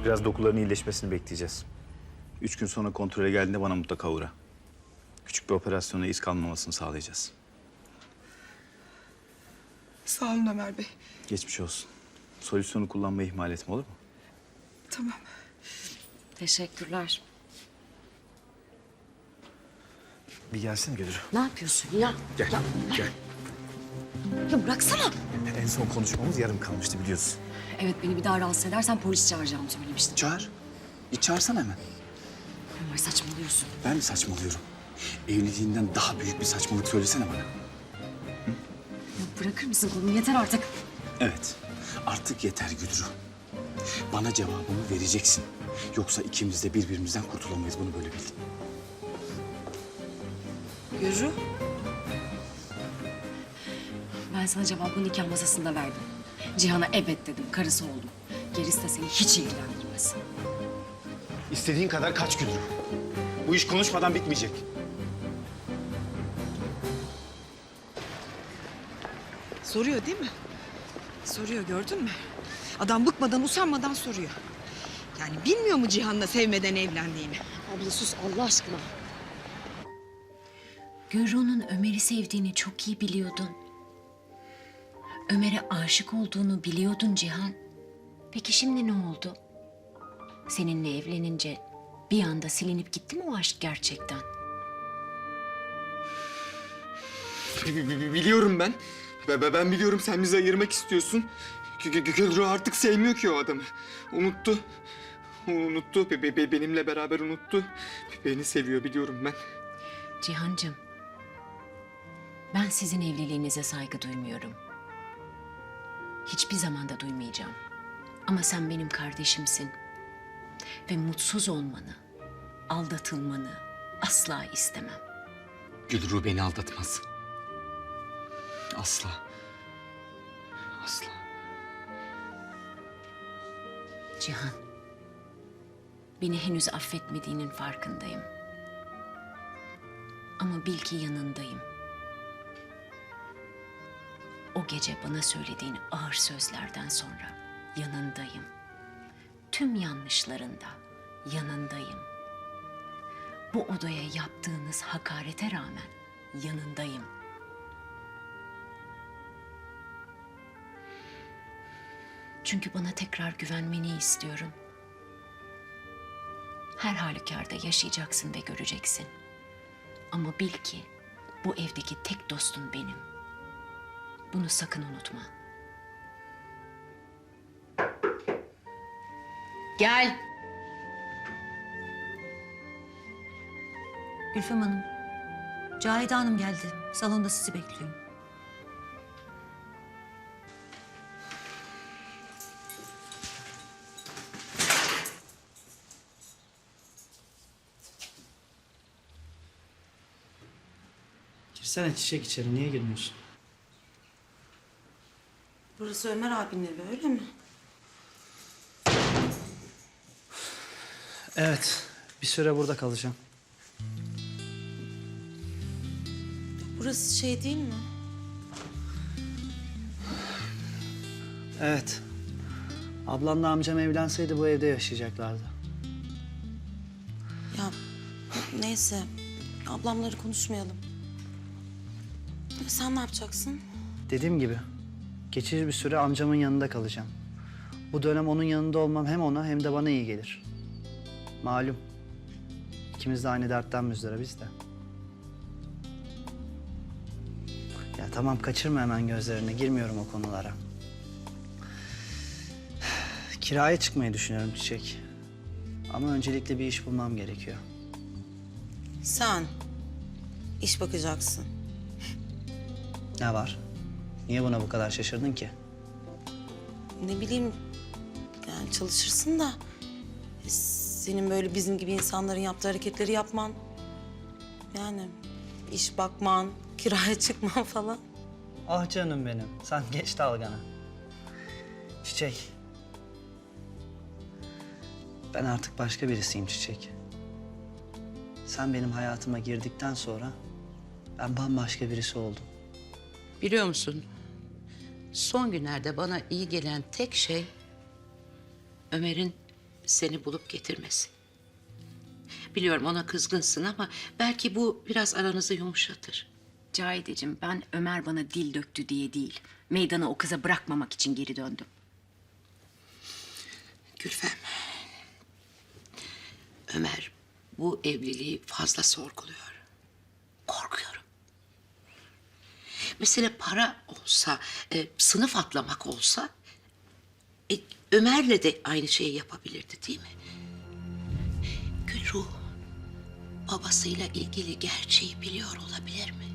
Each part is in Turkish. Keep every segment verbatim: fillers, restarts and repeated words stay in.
Biraz dokuların iyileşmesini bekleyeceğiz. Üç gün sonra kontrole geldiğinde bana mutlaka uğra. Küçük bir operasyona iz kalmamasını sağlayacağız. Sağ olun Ömer Bey. Geçmiş olsun. Solüsyonu kullanmayı ihmal etme, olur mu? Tamam. Teşekkürler. Bir gelsene Gülür. Ne yapıyorsun ya? Gel, Ya, gel. ya bıraksana. En son konuşmamız yarım kalmıştı biliyorsun. Evet, beni bir daha rahatsız edersen polis çağıracağımı söylemiştin. Çağır. Bir çağırsana hemen. Ömer, saçmalıyorsun. Ben mi saçmalıyorum? Evliliğinden daha büyük bir saçmalık söylesene bana. Ya bırakır mısın kolumu? Yeter artık. Evet, artık yeter Güdürü. Bana cevabını vereceksin. Yoksa ikimiz de birbirimizden kurtulamayız, bunu böyle bil. Yürü. Ben sana cevabı nikah masasında verdim. Cihan'a evet dedim, karısı oldum. Gerisi de seni hiç ilgilendirmez. İstediğin kadar kaç Güdürü. Bu iş konuşmadan bitmeyecek. Soruyor değil mi? Soruyor, gördün mü? Adam bıkmadan, usanmadan soruyor. Yani bilmiyor mu Cihan'la sevmeden evlendiğini? Abla sus Allah aşkına. Gürru'nun Ömer'i sevdiğini çok iyi biliyordun. Ömer'e aşık olduğunu biliyordun Cihan. Peki şimdi ne oldu? Seninle evlenince bir anda silinip gitti mi o aşk gerçekten? Biliyorum ben. Ben, ben biliyorum sen bizi ayırmak istiyorsun. Gülru artık sevmiyor ki o adamı. Unuttu. Unuttu. Be, be, benimle beraber unuttu. Beni seviyor biliyorum ben. Cihancığım, ben sizin evliliğinize saygı duymuyorum. Hiçbir zaman da duymayacağım. Ama sen benim kardeşimsin. Ve mutsuz olmanı, aldatılmanı asla istemem. Gülru beni aldatmaz. Asla. Asla. Cihan, beni henüz affetmediğinin farkındayım. Ama bil ki yanındayım. O gece bana söylediğin ağır sözlerden sonra yanındayım. Tüm yanlışlarında yanındayım. Bu odaya yaptığınız hakarete rağmen yanındayım. Çünkü bana tekrar güvenmeni istiyorum. Her halükarda yaşayacaksın ve göreceksin. Ama bil ki bu evdeki tek dostun benim. Bunu sakın unutma. Gel. Gülfem Hanım, Cahide Hanım geldi. Salonda sizi bekliyor. Girsene Çiçek içeri, niye girmiyorsun? Burası Ömer abinin evi, öyle mi? Evet, bir süre burada kalacağım. Burası şey değil mi? Evet. Ablamla amcam evlenseydi bu evde yaşayacaklardı. Ya neyse, ablamları konuşmayalım. Ya sen ne yapacaksın? Dediğim gibi, geçici bir süre amcamın yanında kalacağım. Bu dönem onun yanında olmam hem ona hem de bana iyi gelir. Malum, ikimiz de aynı dertten müzdaribiz de. Ya tamam, kaçırma hemen gözlerini, girmiyorum o konulara. Kiraya çıkmayı düşünüyorum Çiçek. Ama öncelikle bir iş bulmam gerekiyor. Sen iş bakacaksın. Ne var? Niye buna bu kadar şaşırdın ki? Ne bileyim, yani çalışırsın da... senin böyle bizim gibi insanların yaptığı hareketleri yapman... yani iş bakman, kiraya çıkman falan. Ah canım benim, sen geç dalgana. Çiçek. Ben artık başka birisiyim Çiçek. Sen benim hayatıma girdikten sonra ben bambaşka birisi oldum. Biliyor musun? Son günlerde bana iyi gelen tek şey Ömer'in seni bulup getirmesi. Biliyorum ona kızgınsın ama belki bu biraz aranızı yumuşatır. Cahideciğim, ben Ömer bana dil döktü diye değil, meydanı o kıza bırakmamak için geri döndüm. Gülfem, Ömer bu evliliği fazla sorguluyor. Korkuyorum. Mesele para olsa, e, sınıf atlamak olsa... E, Ömer'le de aynı şeyi yapabilirdi değil mi? Gülruh, babasıyla ilgili gerçeği biliyor olabilir mi?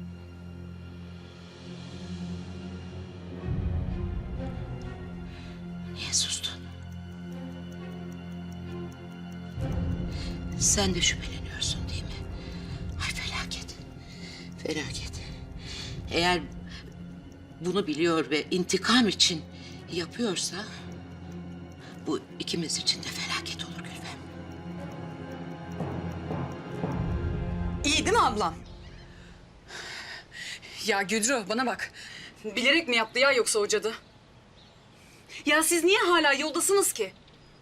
Niye sustun? Sen de şüpheleniyorsun değil mi? Ay felaket. Felaket. Eğer bunu biliyor ve intikam için yapıyorsa... bu ikimiz için de felaket olur Gülfem. İyi değil mi ablam? Ya Güdrü bana bak. Bilerek mi yaptı ya yoksa o cadı? Ya siz niye hala yoldasınız ki?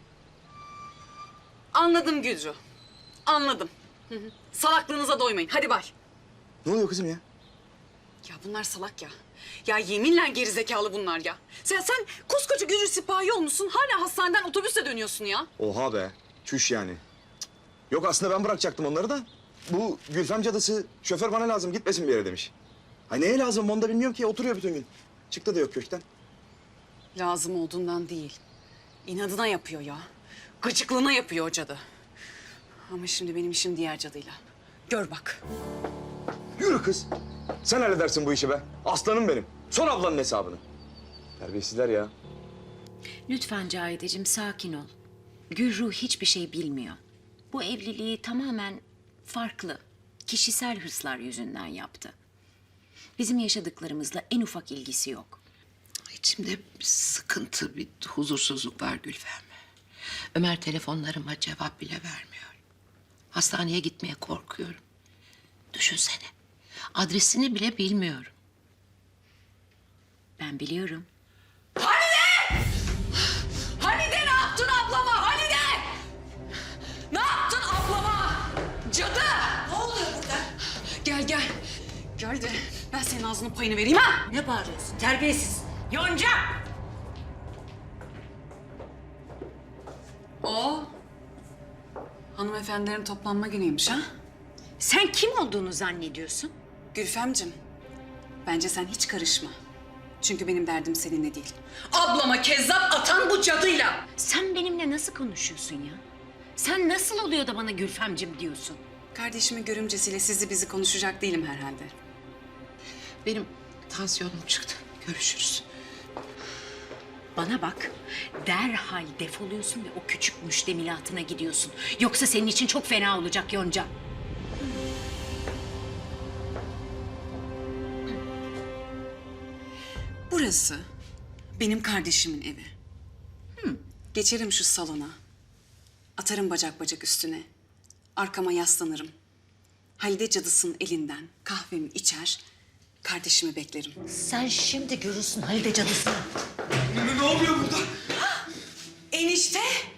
Anladım Güdrü. Anladım. Hı hı. Salaklığınıza doymayın. Hadi bay. Ne oluyor kızım ya? Ya bunlar salak ya. Ya yeminle gerizekalı bunlar ya. Sen sen koskoca Güdrü sipahi olmuşsun. Hala hastaneden otobüsle dönüyorsun ya. Oha be. Çüş yani. Cık. Yok aslında ben bırakacaktım onları da. Bu Gülfem cadısı şoför bana lazım gitmesin bir yere demiş. Ay neye lazım onu da bilmiyorum ki oturuyor bütün gün. Çıktı da yok köşkten. Lazım olduğundan değil. İnadına yapıyor ya. Gıcıklığına yapıyor o cadı. Ama şimdi benim işim diğer cadıyla. Gör bak. Yürü kız. Sen halledersin bu işi be. Aslanım benim. Son ablanın hesabını. Terbiyesizler ya. Lütfen Cahideciğim, sakin ol. Gülruh hiçbir şey bilmiyor. Bu evliliği tamamen farklı, kişisel hırslar yüzünden yaptı. Bizim yaşadıklarımızla en ufak ilgisi yok. İçimde bir sıkıntı, bir huzursuzluk var Gülfem. Ömer telefonlarıma cevap bile vermiyor. Hastaneye gitmeye korkuyorum. Düşünsene, adresini bile bilmiyorum. Ben biliyorum. Halide ne yaptın ablama? Halide! Ne yaptın ablama? Cadı! Ne oluyor burada? Gel gel. Gel de ben senin ağzının payını vereyim ha. Ne bağırıyorsun? Terbiyesiz. Yonca! O hanımefendilerin toplanma günüymüş ha? Sen kim olduğunu zannediyorsun? Gülfemcim, bence sen hiç karışma. Çünkü benim derdim seninle değil. Ablama kezzap atan bu cadıyla. Sen benimle nasıl konuşuyorsun ya? Sen nasıl oluyor da bana Gülfemcim diyorsun? Kardeşimin görümcesiyle sizi bizi konuşacak değilim herhalde. Benim tansiyonum çıktı. Görüşürüz. Bana bak, derhal defoluyorsun ve o küçük müştemilatına gidiyorsun. Yoksa senin için çok fena olacak Yonca. Burası benim kardeşimin evi. Hı. Geçerim şu salona. Atarım bacak bacak üstüne. Arkama yaslanırım. Halide cadısının elinden kahvemi içer, kardeşimi beklerim. Sen şimdi görürsün Halide cadısını. Ne, ne oluyor burada? Enişte!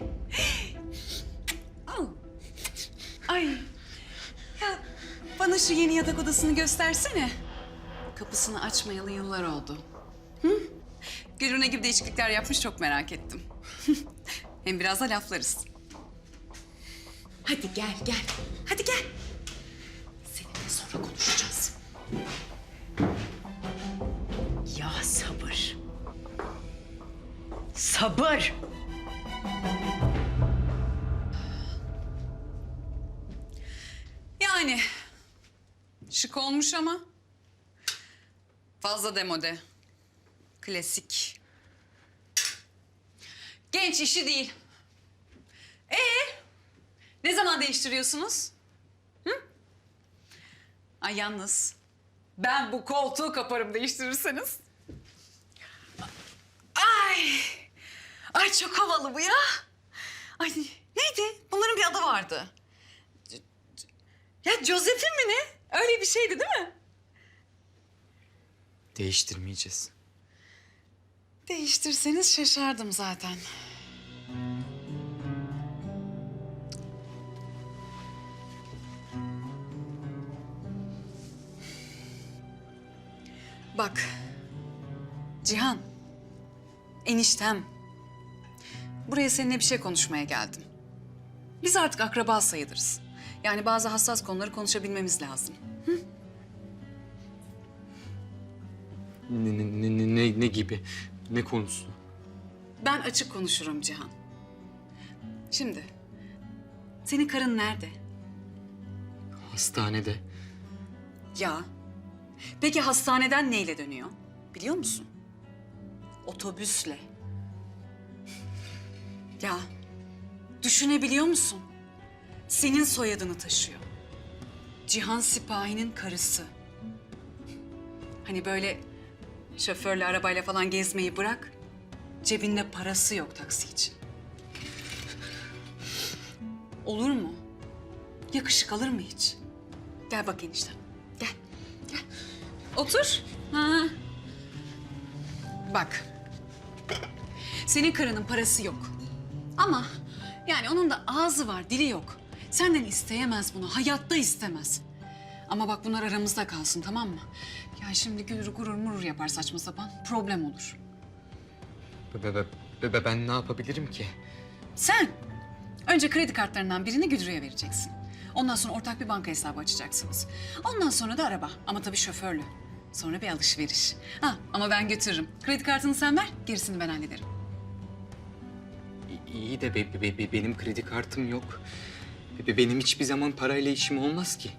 Au. Ay! Ya bana şu yeni yatak odasını göstersene. Kapısını açmayalı yıllar oldu. Hı? Gülü ne gibi değişiklikler yapmış çok merak ettim. Hem biraz da laflarız. Hadi gel gel. Hadi gel. Seninle sonra konuşacağız. Ya sabır. Sabır. Yani şık olmuş ama fazla demode. Klasik. Genç işi değil. Ee, ne zaman değiştiriyorsunuz? Hı? Ay yalnız ben bu koltuğu kaparım değiştirirseniz. Ay, ay çok havalı bu ya. Ay neydi? Bunların bir adı vardı. Ya Josephine mi ne? Öyle bir şeydi değil mi? Değiştirmeyeceğiz. Değiştirseniz şaşardım zaten. Bak, Cihan, eniştem. Buraya seninle bir şey konuşmaya geldim. Biz artık akraba sayılırız. Yani bazı hassas konuları konuşabilmemiz lazım. Ne, ne, ne, ne, ne gibi? Ne konusu? Ben açık konuşurum Cihan. Şimdi, senin karın nerede? Hastanede. Ya, peki hastaneden neyle dönüyor? Biliyor musun? Otobüsle. Ya, düşünebiliyor musun? Senin soyadını taşıyor. Cihan Sipahi'nin karısı. Hani böyle şoförle, arabayla falan gezmeyi bırak. Cebinde parası yok taksi için. Olur mu? Yakışık alır mı hiç? Gel bak eniştem. Gel, gel. Otur. Ha. Bak. Senin karının parası yok. Ama yani onun da ağzı var, dili yok. Senden isteyemez bunu, hayatta istemez. Ama bak bunlar aramızda kalsın, tamam mı? Ya şimdi gurur gurur murur yapar saçma sapan, problem olur. Be, be, be, be, ben ne yapabilirim ki? Sen önce kredi kartlarından birini Güdürü'ye vereceksin. Ondan sonra ortak bir banka hesabı açacaksınız. Ondan sonra da araba ama tabii şoförlü. Sonra bir alışveriş. Ha ama ben götürürüm. Kredi kartını sen ver, gerisini ben hallederim. İ- İyi de be, be, be, benim kredi kartım yok. Be, be, benim hiçbir zaman parayla işim olmaz ki.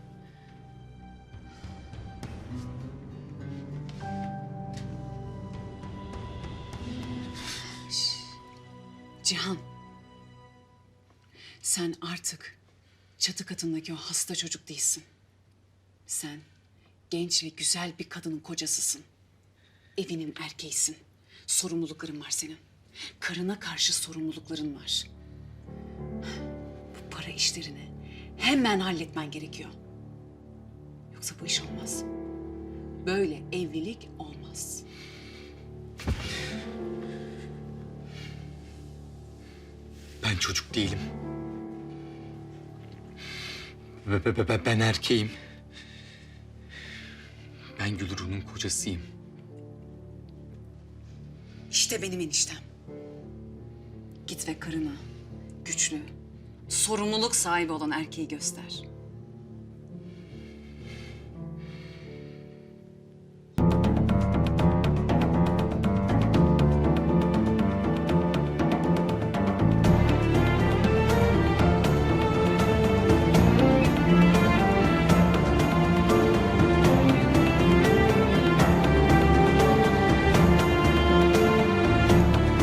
Cihan, sen artık çatı katındaki o hasta çocuk değilsin. Sen genç ve güzel bir kadının kocasısın. Evinin erkeğisin. Sorumlulukların var senin. Karına karşı sorumlulukların var. Bu para işlerini hemen halletmen gerekiyor. Yoksa bu iş olmaz. Böyle evlilik olmaz. Ben çocuk değilim. Be, be, be, be, ben erkeğim. Ben Gülru'nun kocasıyım. İşte benim eniştem. Git ve karına güçlü, sorumluluk sahibi olan erkeği göster.